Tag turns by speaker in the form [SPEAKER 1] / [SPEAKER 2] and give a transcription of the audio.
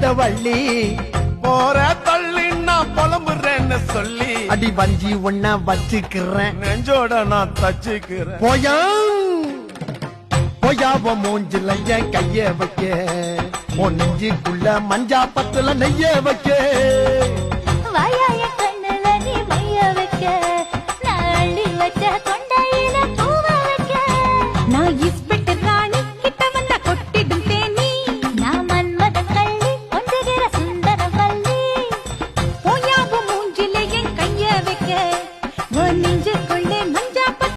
[SPEAKER 1] வள்ளி
[SPEAKER 2] போற தள்ளி நான் புலம்புறேன்னு சொல்லி
[SPEAKER 1] அடி வஞ்சி ஒன்ன வச்சுக்கிறேன்
[SPEAKER 2] நெஞ்சோட நான் தச்சுக்கிறேன்.
[SPEAKER 1] போயா போயாவ மூஞ்சில என் கைய வைக்க உன் நெஞ்சுக்குள்ள மஞ்சா பத்துல நெய்ய வைக்க
[SPEAKER 3] வாயா